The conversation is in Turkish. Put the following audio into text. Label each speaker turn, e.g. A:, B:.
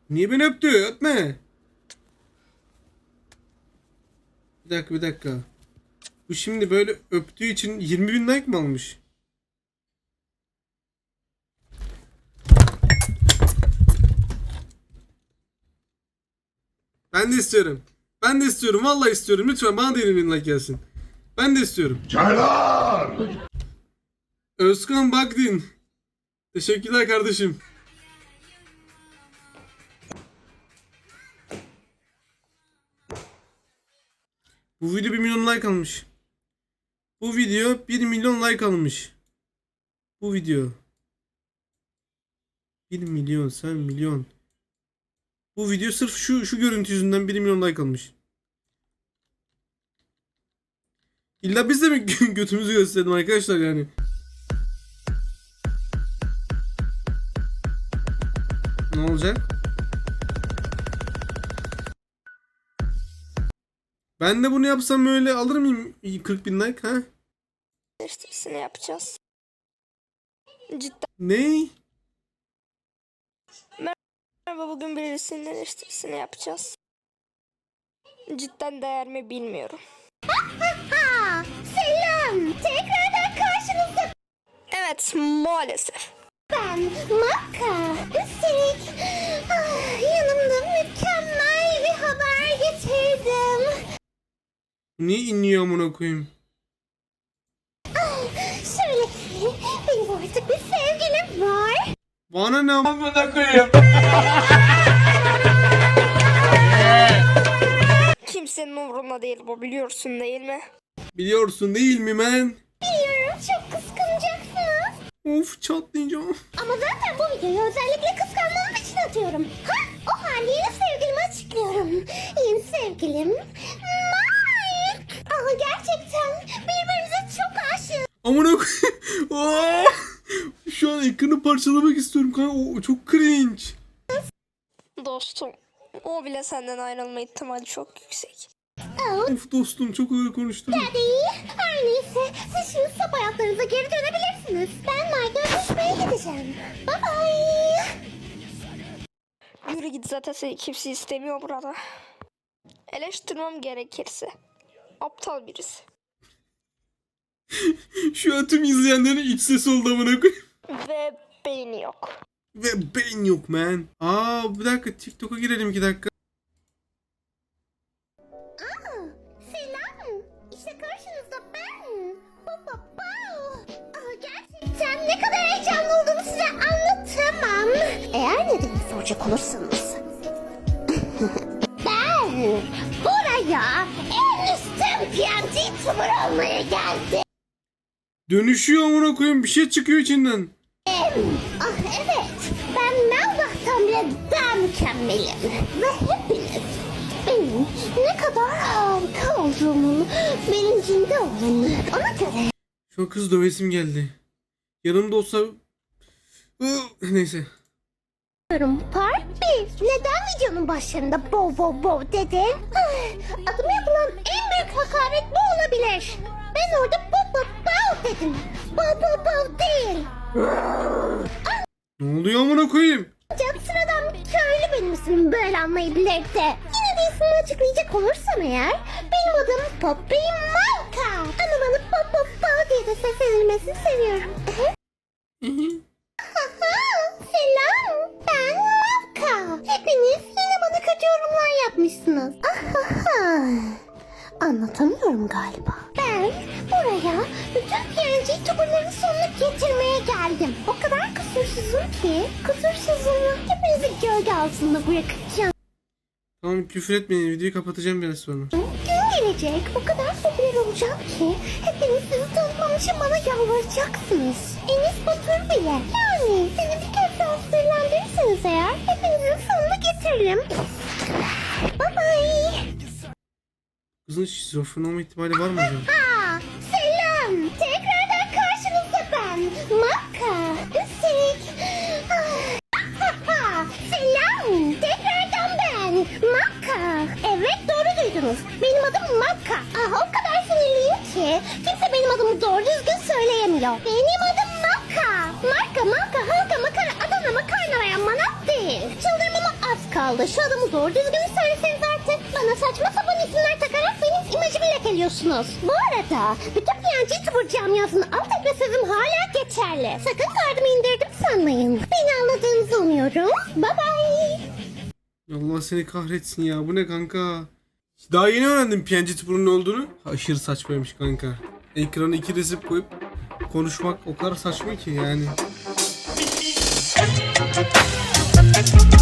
A: Niye beni öptü? Öpme. Bir dakika. Bu şimdi böyle öptüğü için 20.000 like mı almış? Ben de istiyorum. Ben de istiyorum. Vallahi istiyorum. Lütfen bana da 20.000 like gelsin. Ben de istiyorum.
B: Çaylar!
A: Özkan Bakdin. Teşekkürler kardeşim. Bu video 1 milyon like almış. Bu video 1 milyon like almış. Bu video. 1 milyon, sen milyon. Bu video sırf şu görüntü yüzünden 1 milyon like almış. İlla biz de mi götümüzü gösterelim arkadaşlar yani? Ne olacak? Ben de bunu yapsam öyle alır mıyım 40.000 like ha?
C: Eleştirisini yapacağız. Cidden
A: Ne?
C: merhaba, bugün birisinin eleştirisini yapacağız. Cidden değer mi bilmiyorum.
D: Selam, tekrardan karşınızda
C: Evet, maalesef.
D: ben Makka. Üstelik yanımda mükemmel bir haber getirdim.
A: Niye inliyor amına koyayım?
D: Şöyle ki benim artık bir sevgilim var.
A: Bana ne amına koyayım?
C: Kimsenin umurunda değil bu, biliyorsun değil mi?
A: Biliyorsun değil mi men?
D: Biliyorum, çok kıskanacaksınız.
A: Of çatlayacağım.
D: Ama zaten bu videoyu özellikle kıskanmam için atıyorum. O halde yeni sevgilimi açıklıyorum. Yeni sevgilim Mike. Ama gerçekten birbirimize çok aşığız.
A: Amına koyayım. Aa! Şu an ekranı parçalamak istiyorum kanka. O çok cringe.
C: Dostum, o bile senden ayrılma ihtimali çok yüksek.
A: Of dostum çok ağır konuştun.
D: Her neyse, siz şimdi sap hayatlarınıza geri dönebilirsiniz. Ben Mike'la öpüşmeye gideceğim. Bye bye.
C: Yürü git, zaten seni kimse istemiyor burada. Eleştirmem gerekirse aptal birisi.
A: Şu an tüm izleyenlerin iç sesi oldu amına koyayım.
C: Ve beyni yok.
A: Ve beyin yok man. Bir dakika TikTok'a girelim 2 dakika.
D: Selam. İşte karşınızda ben. Gerçekten ne kadar heyecanlı olduğumu size anlatamam. Eğer nedenini soracak olursanız. Ben buraya en üstün PNG YouTuber olmaya geldim.
A: Dönüşüyor amına koyayım, bir şey çıkıyor içinden.
D: Evet, ben Melbah'tan bile daha mükemmelim. Ve hepiniz benim ne kadar harika olduğumun bilincinde olun. Ona göre
A: Şu an kız dövesim geldi. Yanımda olsa... Neyse.
D: Part 1. Neden videonun başlarında bov dedin? Adıma yapılan en büyük hakaret bu olabilir. Ben orada bov dedim. Bov değil.
A: Ne oluyor amına koyayım?
D: Ancak sıradan bir köylü benim ismimi böyle anlayabilir de. Yine de ismini açıklayacak olursam eğer, benim adım Poppy Malka. Ama bana Pop diye de seslenilmesini seviyorum. Selam, ben Malka. Hepiniz yine bana kötü yorumlar yapmışsınız. Anlatamıyorum galiba. Ben buraya bütün PNG YouTuber'ların sonunu getirmeye geldim. O kadar kusursuzum ki kusursuzumu hepinizi gölge altında bırakacağım.
A: Tamam küfür etmeyin, videoyu kapatacağım biraz sonra.
D: Gün gelecek, o kadar popüler olacağım ki hepiniz sizi tanımam için bana yalvaracaksınız. Enis Batur bile. Yani seni bir kez daha sinirlendirirseniz eğer hepinizin sonunu getiririm. Bye bye.
A: Kızın şizofren olma ihtimali var mı acaba?
D: Selam. Tekrardan karşınızda ben. Makka. Üstelik... Selam. Tekrardan ben. Makka. Evet, doğru duydunuz. Benim adım Makka. O kadar sinirliyim ki kimse benim adımı doğru düzgün söyleyemiyor. Benim adım Makka. Marka, halka, makara, Adana, makarna veya manat değil. Çıldırmama az kaldı. kaldı. Şu adamı doğru düzgün söyleseniz artık. Bana saçma sapan isimler takarak benim imajımı lekeliyorsunuz. Bu arada bütün PNG Tubur camiasının alt etme sözüm hala geçerli. Sakın gardımı indirdim sanmayın. Beni anladığınızı umuyorum. Bye bye.
A: Allah seni kahretsin ya. Bu ne kanka? Daha yeni öğrendim PNG Tuber'ın ne olduğunu. Aşırı saçmaymış kanka. Ekrana 2 resim koyup konuşmak o kadar saçma ki yani.